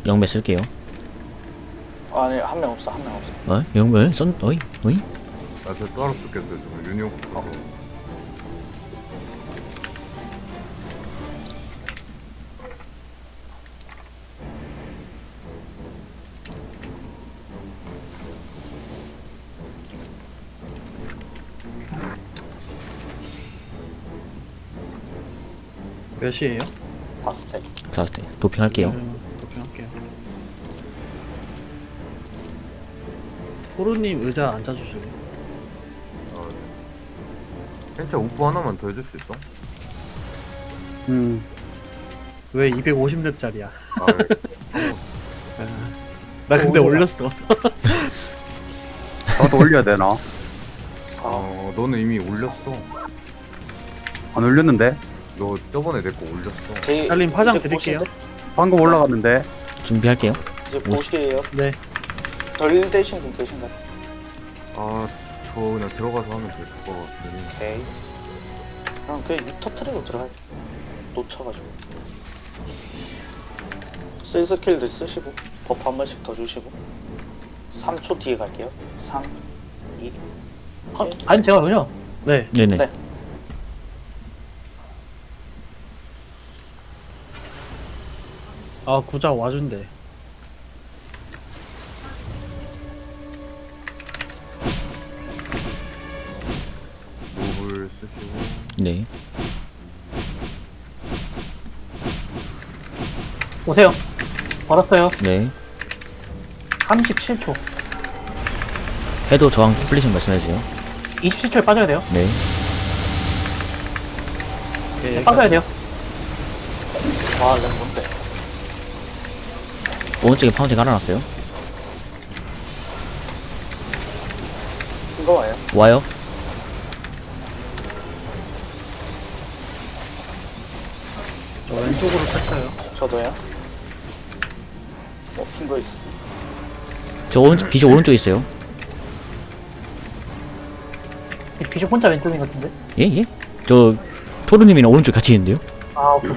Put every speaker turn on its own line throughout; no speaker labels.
영매 쓸게요.
아니 한 명 없어.
영매 썬 어이 어이.
나저 따로 쓰겠어요. 지금 유니온 거.
몇 시에요?
봤을 때.
자스테 도핑할게요.
도핑할게요. 호루님 의자 앉아주세요.
진짜 우프 하나만 더 해줄 수 있어?
왜 250렙짜리야?
아,
나 근데 올렸어.
저도 올려야 되나?
너는 이미 올렸어.
안 올렸는데?
너 저번에 내 거 올렸어.
달님 파장 드릴게요.
방금 올라갔는데?
준비할게요.
이제 보시에요.
네.
덜 되신 분 계신가요?
저 그냥 들어가서 하면 될 것 같으니.
오케이. 그냥 유터 트랙으로 들어갈게요. 놓쳐가지고. 쓸 스킬들 쓰시고 버프 한 번씩 더 주시고 3초 뒤에 갈게요. 3, 2,
아니 제가 그냥
네.
네네.
네.
아 구자 와준대.
몹을 쓰시고.
네.
오세요. 받았어요.
네.
37초.
해도 저항 플리션 말씀해주세요.
27초에 빠져야 돼요.
네.
오케이.
빠져야 돼요.
와, 렉 뭔데?
오른쪽에 파운틴 깔아놨어요.
이거 와요?
와요.
저 왼쪽으로 뺐어요.
저도요? 흰거 있어.
저 오른쪽 비저 오른쪽에 있어요.
비숍 혼자 왼쪽인 것 같은데?
예 예. 저 토르님이랑 오른쪽 같이 있는데요.
아 오케이.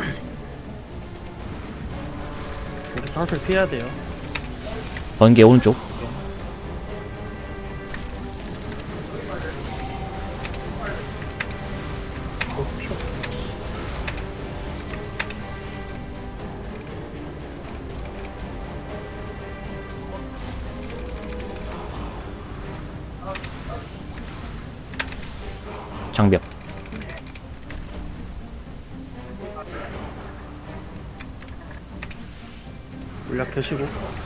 우리 사슬 피해야 돼요.
번개 오른쪽. 장벽.
물약 드시고.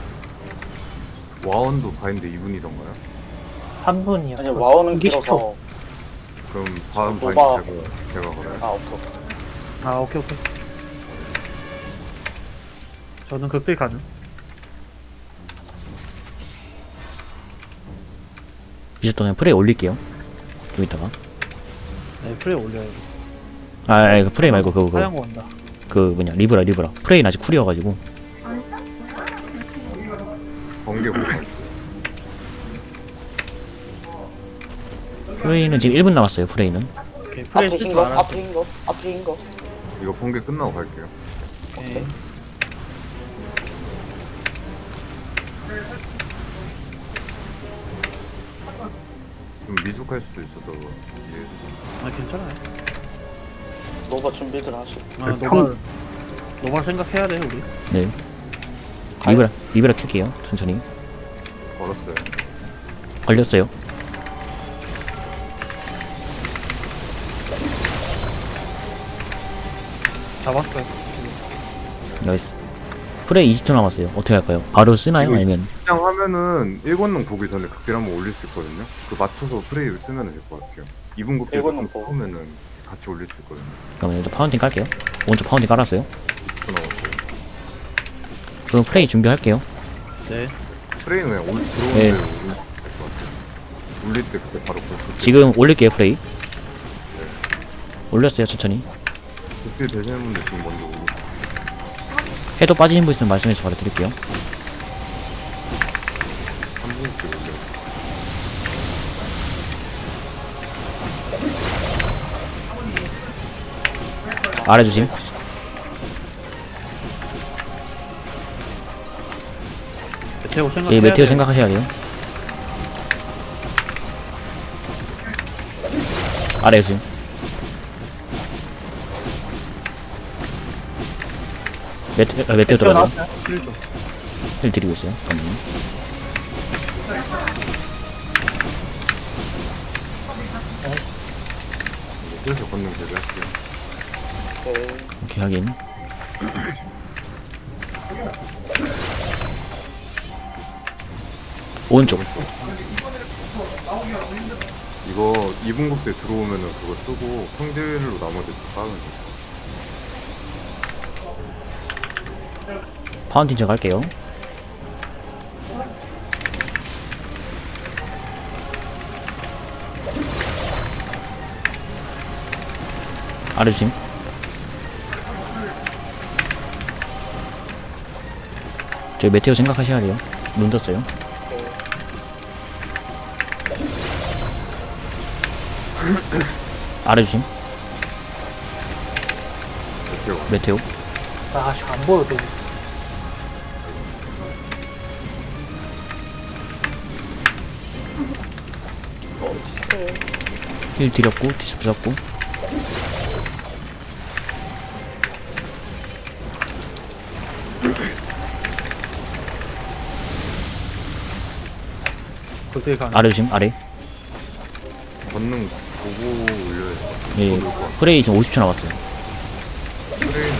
와원도 바인드 2분이던가요?
3분이요.
아니 와우는
이게
길어서.
그럼 다음
노바.
바인드 제가 걸어요.
아 오케이.
아 오케이. 저는 극딜 가능.
비저 동안 프레이 올릴게요. 좀 이따가.
네 프레이 올려요.
그 프레이 말고
하얀 거 온다.
그 뭐냐 리브라. 프레이는 아직 쿨이어가지고.
번개 보고.
프레이는 지금 1분 남았어요. 프레이는.
오케이 프레이
앞에
쓸
흰
줄
거,
알아.
앞에 흰 거, 앞에 흰 거.
이거 번개 끝나고 갈게요.
오케이.
좀 미숙할 수도 있어서 이해해주세요.
아 괜찮아요.
노바 준비들 하시고.
아 노발 생각해야 돼 우리.
네. 리브라 킬게요. 천천히.
걸었어요.
걸렸어요.
잡았어요.
나이스. 프레이 20초 남았어요. 어떻게 할까요? 바로 쓰나요?
이거
아니면
그냥 하면은 1권능 보기 전에 극딜 한번 올릴 수 있거든요. 그 맞춰서 프레이를 쓰면 될 것 같아요. 2분 극딜
1권능 보고.
처음에는 같이 올릴 수 있거든요.
그러면 일단 파운틴 깔게요. 오른쪽 파운틴 깔았어요.
10초 남았어요.
그럼 프레이 준비할게요.
네.
프레이는 그냥 들어오는
네.
대로 올릴 수 있을 것 같아요. 올릴 때 그때 바로 극딜
지금 올릴게요. 프레이. 올렸어요. 천천히.
되시는 분들 지금 먼저 올리고.
해도 빠지는 분 있으면 말씀해서 바로 드릴게요.
3분씩 올려요.
아래 주심.
메테오 생각해야
예, 메테오
돼.
생각하셔야 돼요. 아래 수. 메테오 들어가요.
나왔어요.
힐 좀.
힐 드리고 있어요. 잠깐만요.
그래서 걷는 대비할게요.
오케이.
오케이, 확인. 오른쪽.
이거 2분 국대 들어오면은 그거 쓰고 평딜로 나머지 다 까면 돼.
파운틴 저 갈게요. 아래 주심. 저희 메테오 생각하셔야 돼요. 눈 떴어요.
오케이.
아래 주심.
메테오.
메테오.
아씨 안 보여 또.
디스플레이.
힐 드렸고, 디스프 잡고.
그게 가.
아래 주심. 아래.
걷는 보고 올려야 돼.
예. 프레이 지금 50초 남았어요.
프레이는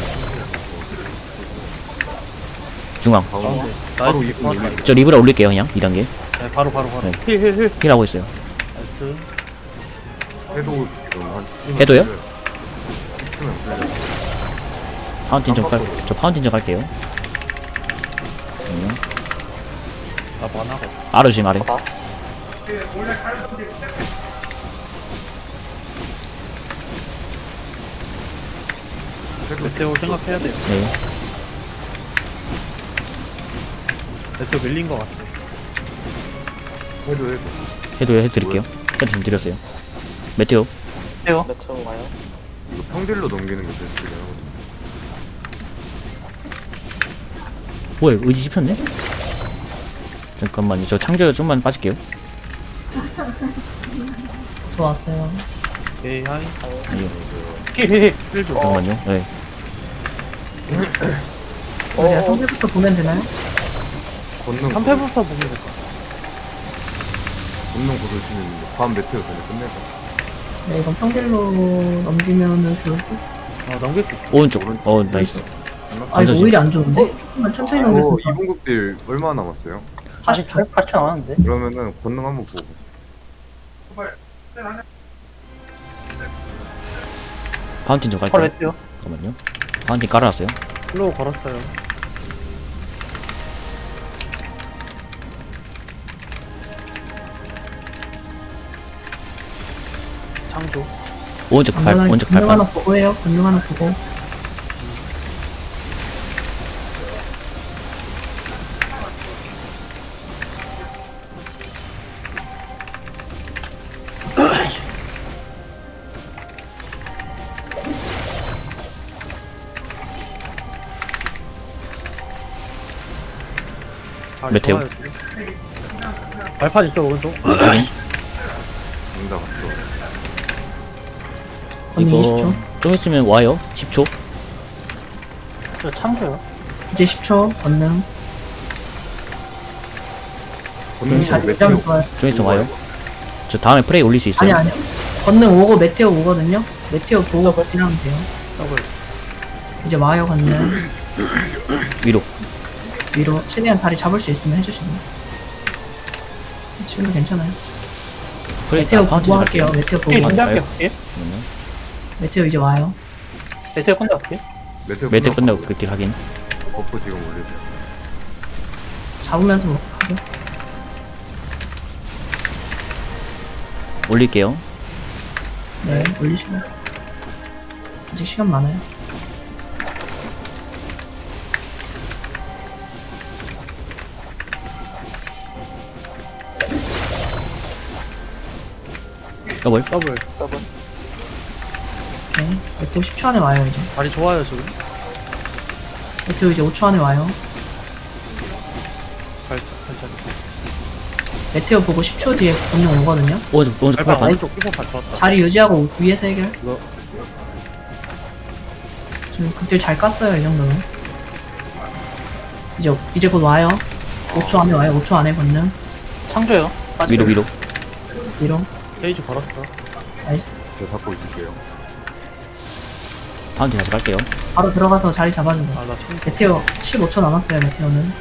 중앙.
가운데. 바로
나이스.
2분 올리고.
저 리브라 올릴게요, 그냥. 2단계.
네, 바로.
네.
힐.
힐하고 있어요.
나이스.
해도 지금 한 10분
해도요?
10분 풀려.
파운틴 좀 갈, 저 파운틴 좀 갈게요.
나 만화가.
아래 주심, 아래.
봐.
메테오 생각해야 돼.
네.
메테오 밀린 거 같아.
해도.
해도 해드릴게요. 해도 지금 드렸어요. 메테오.
해요.
메테오 와요.
이거 평딜로 넘기는 게 제일 중요하거든요.
뭐야, 이거 의지 씹혔네? 잠깐만요. 저 창조 좀만 빠질게요.
좋았어요.
오케이, 하이.
예,
힐 좀.
잠깐만요. 네.
우리가 상대부터 보면 되나요?
걷는
3패부터 보면 될 것 같아.
걷는 고를 치는 밤 메테오 전에 끝내자.
네, 이건 평딜로 넘기면은 좋을 듯.
넘길 수 있어.
오른쪽. 나이스.
아, 이거
던져지.
오히려 안 좋은데? 조금만 천천히 넘겼으면
2분 국딜 얼마 남았어요?
40초.
8초 남았는데.
그러면은 걷는 한번 보고.
파운틴 좀
바로
갈게요.
메테오.
잠깐만요. 파운틴 깔아놨어요.
슬로우 걸었어요. 창조.
오른쪽 발, 오른쪽
건능 하나
발판.
보고 해요. 건능 하나 보고.
발
메테오.
좋아요. 발판 있어, 오른쪽.
확인.
응답 왔어.
건능
이거
20초.
좀 있으면 와요. 10초.
저 창조요.
이제 10초. 건능.
걷는
잘
거
대장
메테오.
좋아요.
좀 있으면 와요. 저 다음에 프레이 올릴 수 있어요.
아니, 아니요. 건능 오고 메테오 오거든요? 메테오 보고 버티라면 돼요.
더블.
이제 와요, 건능.
위로.
위로. 최대한 다리 잡을 수 있으면 해주시면. 지금도 괜찮아요.
프레이
메테오
파운틴
보고
좀 갈게요.
할게요. 메테오 보고.
힐
아,
준비할게요.
와요?
예.
잠깐만요.
메테오 이제 와요.
메테오 끝나 볼게요.
메테 끝나고 그딜 확인.
버프 지금 올리세요.
잡으면서 뭐 하죠?
올릴게요.
네, 올리시고. 아직 시간 많아요.
더블.
더블.
더블.
네, 메테오 10초 안에 와요, 이제.
발이 좋아요, 지금.
메테오 이제 5초 안에 와요.
발
메테오 보고 10초 뒤에 권능 오거든요.
오른쪽
발판
팔판.
오른쪽 끼고판 좋았다.
자리 유지하고 위에서 해결.
이거.
지금 그때 잘 깠어요, 이 정도면. 이제 곧 와요. 5초 안에 와요. 5초 안에 권능.
창조요.
위로 위로.
위로.
페이지 걸었어.
나이스.
제가 잡고 있을게요.
파운틴 다시 갈게요.
바로 들어가서 자리 잡아주고.
아나 창조.
메테오 15초 남았어요, 메테오는.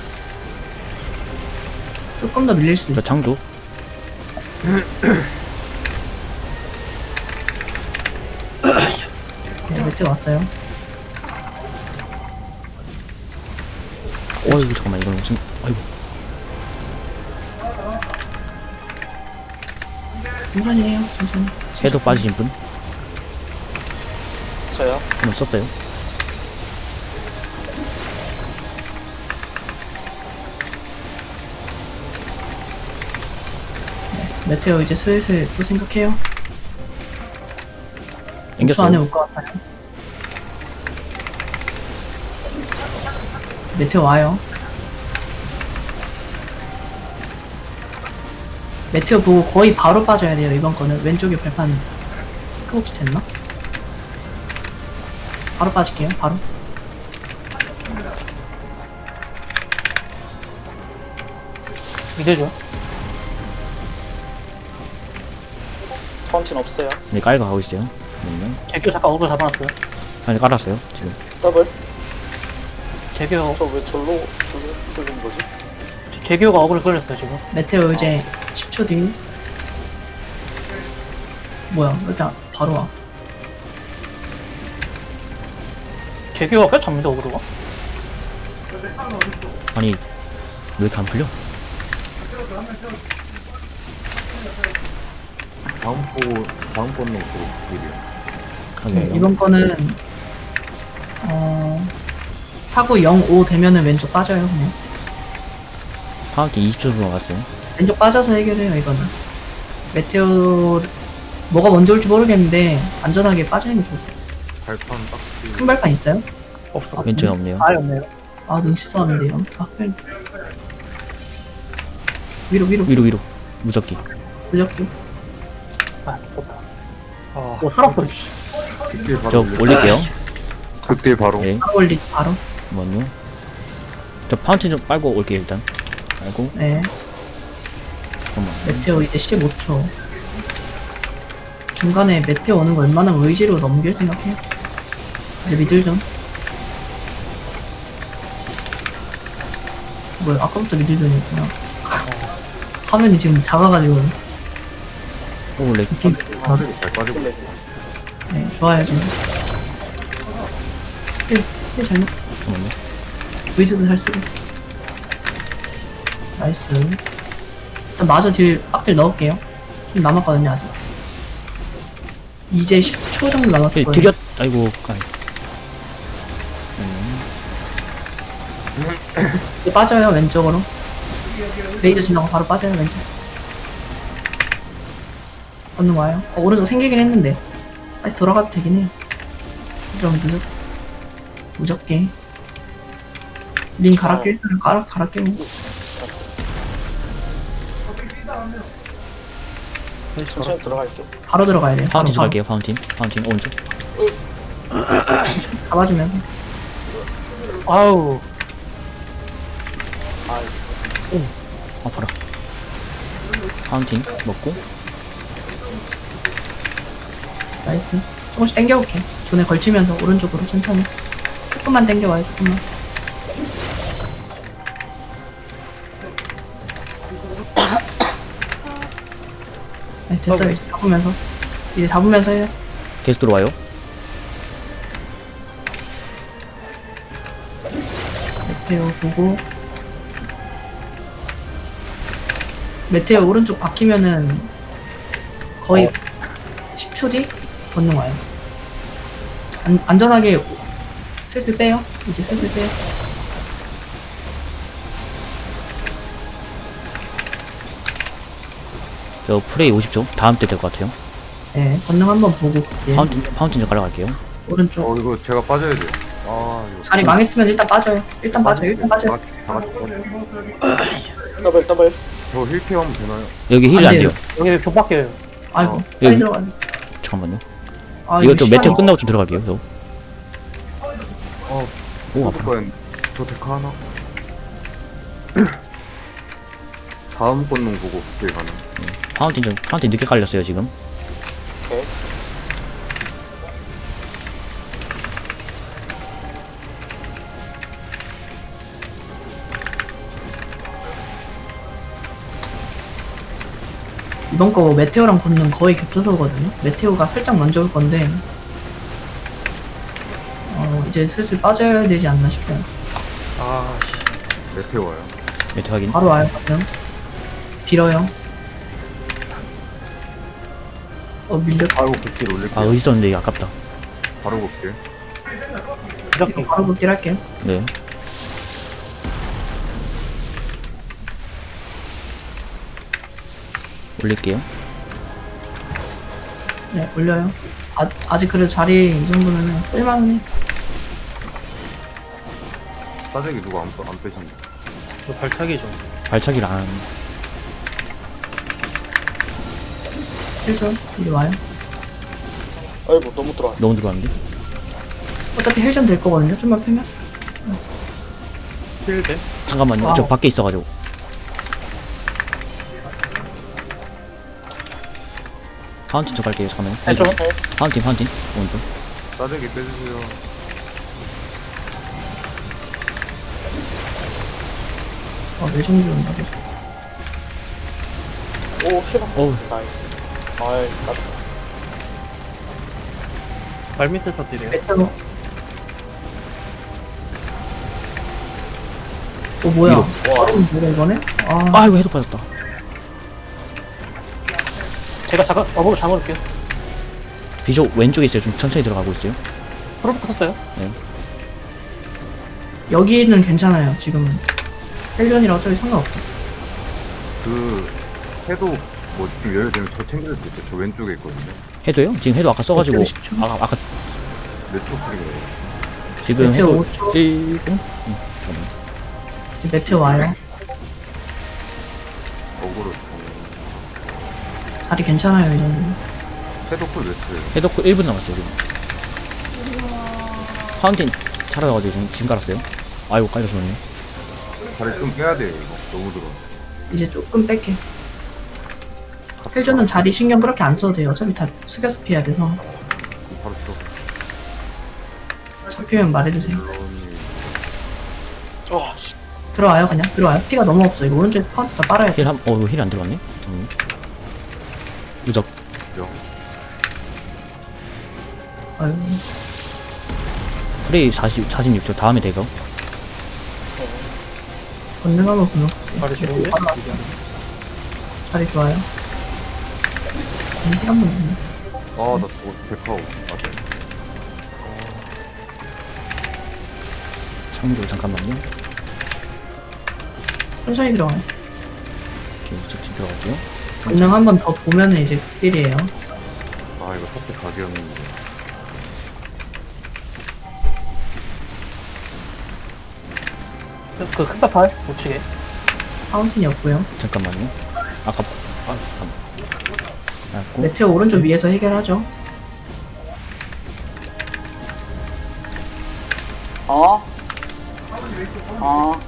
조금 더 밀릴 수도
저
있어.
창조.
네, 메테오 왔어요.
어이구 잠깐만 이건 무슨 아이고
천천히 해요, 천천히.
해도 빠지신 분?
저요.
한번 썼어요.
메테오 이제 슬슬 또 생각해요. 5초
땡겼어요.
안에 올 것 같아요. 메테오 와요. 메테오 보고 거의 바로 빠져야 돼요, 이번 거는. 왼쪽에 발판 혹시 됐나? 바로 빠질게요, 바로.
믿어줘.
파운틴 없어요.
네 깔고 가고 있어요. 잠깐만요.
제교 잠깐 얼굴 잡아놨어요.
아니 깔았어요 지금.
더블.
제교,
저 왜 절로 뚫린 거지?
제교가 얼굴 걸렸어요, 지금.
메테오 이제 10초 뒤. 뭐야, 일단 바로 와.
제교가 꽤 잡니다, 얼굴가.
아니 왜 이렇게 안 풀려?
다음 번는 또 일이요.
가게요.
이번 거는 타구 0, 5 되면은 왼쪽 빠져요, 그냥.
파운틴 20초 정도 갔어요.
왼쪽 빠져서 해결해요, 이거는. 메테오 뭐가 먼저 올지 모르겠는데 안전하게 빠지는 게 좋을 것 같아요.
발판 딱지.
큰 발판 있어요?
없어.
왼쪽에 없네요.
아예 없네요.
아, 눈치 싸움인데 이런. 아, 빨리. 위로
위로 무섭게.
무적기.
아, 좋다.
아,
오, 살았어, 씨.
극딜 바로
저 올릴게요.
극딜 바로.
네.
바로 올리 바로.
잠깐만요. 저 파운틴 좀 빨고 올게요 일단. 빨고
네.
잠깐만.
메테오 이제 15초. 중간에 메테오 오는 거 웬만하면 의지로 넘길 생각해요. 이제 미들 좀. 뭐야, 아까부터 미들 전이었구나. 화면이 지금 작아가지고.
오 렉.
사슬이 잘 빠지고.
클레.
네, 좋아요, 지금. 잘 넣.
잠깐만요.
의지도 잘 쓰고. 나이스. 일단 마저 빡딜 넣을게요. 좀 남았거든요, 아직. 이제 10초 정도 남았을 거예요.
드렸. 아이고. 아이.
이제 빠져요, 왼쪽으로. 레이저 지나고 바로 빠져요, 왼쪽. 건능 와요. 오른쪽 생기긴 했는데. 다시 돌아가도 되긴 해요. 좀 무적게. 링 갈아 낄 사람 갈아 끼고.
천천히 들어갈게요.
바로 들어가야 돼요.
파운틴 좀
바로.
갈게요. 파운틴 오른쪽.
잡아주면서.
아우,
아,
아파라. 파운틴 먹고.
나이스. 조금씩 당겨볼게. 존에 걸치면서 오른쪽으로 천천히. 조금만 당겨와요, 조금만. 네, 됐어요. 이제 잡으면서. 이제 잡으면서 해요.
계속 들어와요.
메테오 보고. 메테오 오른쪽 박히면은 거의 10초 뒤 건능 와요. 안전하게 슬슬 빼요. 이제 슬슬 빼요.
저 프레이 50초. 다음 때 될 것 같아요.
네, 건능 한번 보고 그때
파운틴 좀 갈아갈게요.
오른쪽
이거 제가 빠져야 돼요. 아 이거.
자리 망했으면 일단 빠져요. 일단 빠져요. 일단 빠져요.
다 같이 빠져.
더블 더블.
저 힐케어 하면 되나요?
여기 힐이
안
안
돼요.
돼요.
여기 왜 벽밖에요.
아이고
어.
빨리
여기-
들어가야 돼.
잠깐만요.
아,
이거 좀
시간이-
메테오 끝나고 좀 들어갈게요. 저. 오, 아파.
그거엔 저 데카 하나? 다음 권능 보고 극딜 가능.
파운틴 늦게 깔렸어요, 지금.
오케이.
이번 거 메테오랑 걷는 거의 겹쳐서거든요. 메테오가 살짝 먼저 올 건데 이제 슬슬 빠져야 되지 않나 싶어요.
아,
메테오 와요.
메테오 확인.
바로 와요. 그러면 빌어요. 밀려.
바로 극딜 올릴게요.
아, 있었는데 아깝다.
바로 극딜.
이렇게.
바로 극딜 할게요.
네. 올릴게요.
네, 올려요. 아직 그래도 자리 이 정도면 쓸만해.
싸대기 누가 안 빼셨네.
저 발차기 좀.
발차기를 안.
헬전 이리 와요.
아이고 너무 들어와.
너무 들어갔는데?
어차피 헬전 될 거거든요. 좀만 펴면.
힐대.
잠깐만요.
아.
저 밖에 있어가지고. 파운틴 저 갈게요. 잠깐만요.
좀.
파운틴. 오른쪽.
싸대기 빼주세요.
내정지 온다.
오 힐.
어우.
나이스. 아이 깜짝.
발 밑에서 뛰래요.
메테오. 뭐야?
위로.
와.
뭐야 이거네?
아이고, 해도 빠졌다.
제가 잠깐 어그로 잡아볼게요.
비숍 왼쪽에 있어요. 좀 천천히 들어가고 있어요.
프로브 컸어요.
여기는 괜찮아요. 지금은 헬전이라 어차피 상관없어.
그 해도 뭐 지금 예를 들면 저 챙길 수 있어요. 저 왼쪽에 있거든요.
해도요? 지금 해도 아까 써가지고.
10초?
아까
몇초 프리그래요?
지금
메테오
해도
5초.
1분?
이제 메테오 와요.
어그로
자리 괜찮아요 이 정도.
해도 쿨 몇초예요?
해도 1분 남았어요, 지금. 파운틴 차려가지고 지금 깔았어요. 아이고, 깔려주네.
다리 좀 빼야 돼요 이거. 너무 들어.
이제 조금 뺄게. 헬전은 자리 신경 그렇게 안 써도 돼요. 어차피 다 숙여서 피해야 돼서.
바로
잡히면 말해주세요.
와 씨.
들어와요 그냥 들어와요. 피가 너무 없어. 이거 오른쪽에 파운트 다 빨아야 돼.
이거 힐 안 들어갔네? 잠깐만요. 무적.
아유,
프레이 46초. 다음에 대거.
건능하고 분노.
발이 좋은데?
자리 좋아요. 한번 있네.
아나 저거 데카오. 맞아.
창조 잠깐만요.
천천히 들어가요.
이렇게 직접 들어갈게요.
건능 한 번 더 보면은 이제 극딜이에요.
아 이거 사태 각이었는데.
그 큰다팔 우측에.
파운틴이 없고요.
잠깐만요. 아까 고
메테오 오른쪽 위에서 해결하죠.
어? 어?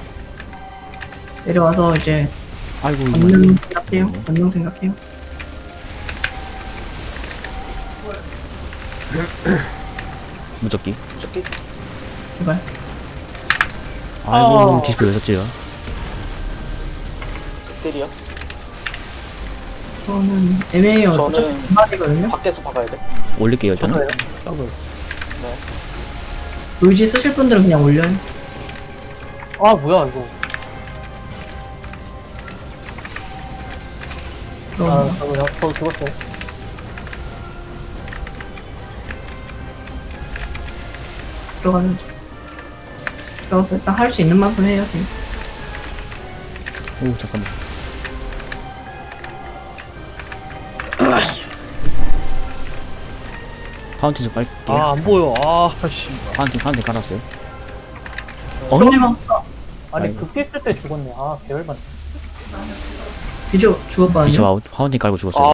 내려와서 이제
아이고,
건능 생각해요. 건능 생각해요.
무적기.
저기
제발.
아이고, 디스플레이 왜 썼지요?
극딜이요?
저는 애매해요.
저는-
어차피 기막이거든요.
밖에서 박아야 돼.
올릴게요, 일단은.
저도요.
더블.
의지 쓰실 분들은 그냥 올려요.
아 뭐야 이거.
그럼
저도 죽었어요.
들어가면 들어가서 일단 할 수 있는 만큼 해요. 지금.
오, 잠깐만. 파운틴 좀 깔게요.
아, 안 보여. 아, 씨.
파운틴 깔았어요.
건능
아니
아이고.
극딜 쓸 때 죽었네. 아 개열받네.
비주 죽었거든요.
비쳐 아웃. 파운틴 깔고 죽었어요.